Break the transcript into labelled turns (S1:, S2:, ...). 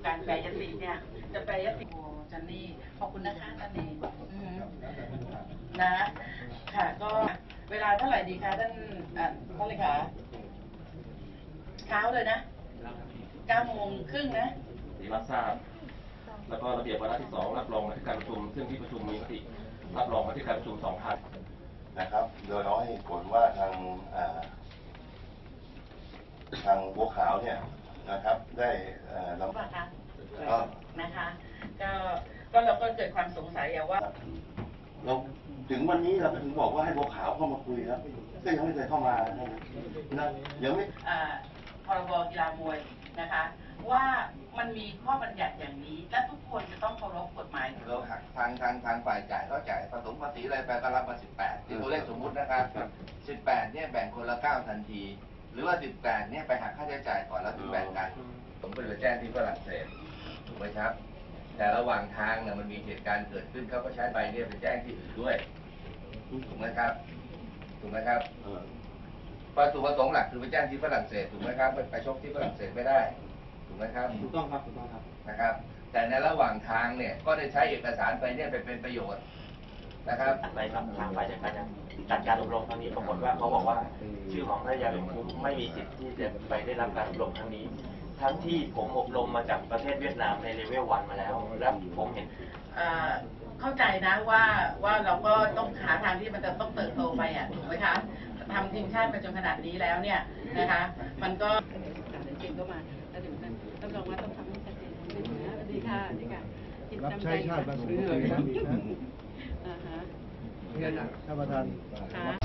S1: การแปรยติเนี่ยจะแปรยติโอ้จันนี่ขอบคุณนะคะจันนี่นะค่ะก็เวลาเท่าไหร่ดีคะท่านเลขาเช้าเลยนะ9:30นะ
S2: รับทราบแล้วก็ระเบียบวาระที่2รับรองมาที่การประชุมซึ่งที่ประชุมมีมติรับรองมาที่การประชุม2 ครั้ง
S3: นะครับโดยเราให้ผลว่าทางบัวขาวเนี่ยนะครับได้
S1: ลำบากนะคะก็เราก็เกิดความสงสัยว่า
S3: เราถึงวันนี้เราถึงบอกว่าให้บัวขาวเข้ามาคุยครับก็ยังไม่เคยเข้ามานะยังไม่
S1: พรบกีฬามวยนะคะว่ามันมีข้อบัญญัติอย่างนี้และทุกคนจะต้องเคารพกฎหมาย
S4: เราหักทางฝ่ายจ่ายก็จ่ายผสมภาษีอะไรไปก็รับมา18ที่ตัวเลขสมมุตินะครับ18เนี่ยแบ่งคนละ9ทันทีหรือว่า18เนี่ยไปหักค่าใช้จ่ายก่อนแล้วถึงแบ่งกันผมไปแจ้งที่ฝรั่งเศสถูกไหมครับแต่ระหว่างทางเนี่ยมันมีเหตุการณ์เกิดขึ้นเขาก็ใช้ใบเนี่ยไปแจ้งที่อื่นด้วยถูกไหมครับวัตถุประสงค์หลักคือไปแจ้งที่ฝรั่งเศสถูกไหมครับไปชกที่ฝรั่งเศสไม่ได้ถูกไหมครับ
S5: ถูกต้องครับ
S4: นะครับแต่ในระหว่างทางเนี่ยก็ได้ใช้เอกสารไปเนี่ยไปเป็นประโยชน์นะครับ
S2: อะไรครับทางฝ่ายจัดการอบรมครั้งนี้ปรากฏว่าเขาบอกว่าชื่อของพระยาหลวงคุ้มไม่มีสิทธิ์ที่จะไปได้รับการอบรมครั้งนี้ทั้งที่ผมอบรมมาจากประเทศเวียดนามในเลเวล1มาแล้วแล้วผมเห็น
S1: เข้าใจนะว่าเราก็ต้องหาทางที่มันจะต้องเติบโตไปถูกไหมคะทำทีมชาติไปจนขนาดนี้แล้วเนี่ยนะคะมันก็เก่งก็มาแล้วถึงนั้นรับรองว่าต้องทำให้ชัดเจนไม่ถึงนะสวัสดีค่ะนี่ค่ะ
S5: รับใช้ชาติมาถึงปีนะเงินท่านประธาน